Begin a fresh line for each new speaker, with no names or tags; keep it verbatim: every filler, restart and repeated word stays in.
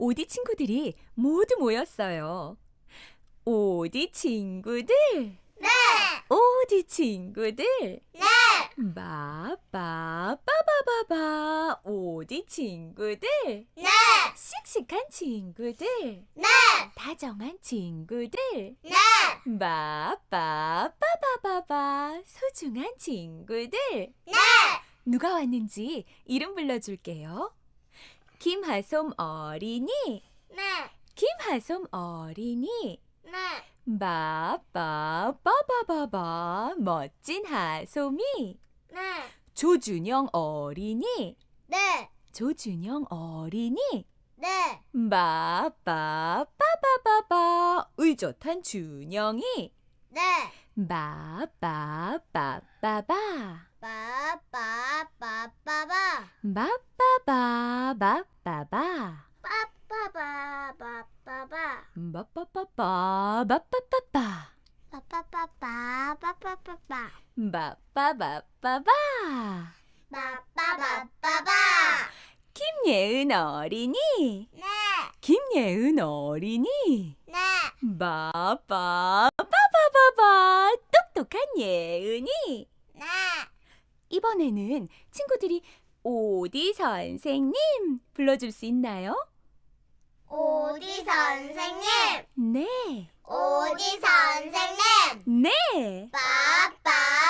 오디 친구들이 모두 모였어요. 오디 친구들,
네!
오디 친구들,
네!
바바바바바바바 오디 친구들,
네!
씩씩한 친구들,
네!
다정한 친구들,
네!
바바바바바바 소중한 친구들.
네!
누가 왔는지 이름 불러줄게요. 김하솜 어린이,
네!
김하솜 어린이,
네!
바바바바바바 멋진 하솜이,
네!
조준영 어린이,
네!
조준영 어린이,
네!
바바바바바바 의젓한 준영이,
네!
바바바바바바
빠빠빠빠빠
바바바바바바
빠빠빠빠빠빠
바바바바바바바바
빠빠빠빠빠빠빠
바바바바바
빠빠빠빠빠
김예은 어린이,
네!
김예은 어린이,
네!
바바바바바바 똑똑한 예은이.
네!
이번에는 친구들이 오디 선생님 불러줄 수 있나요?
오디 선생님!
네,
오디 선생님!
네.
빠빠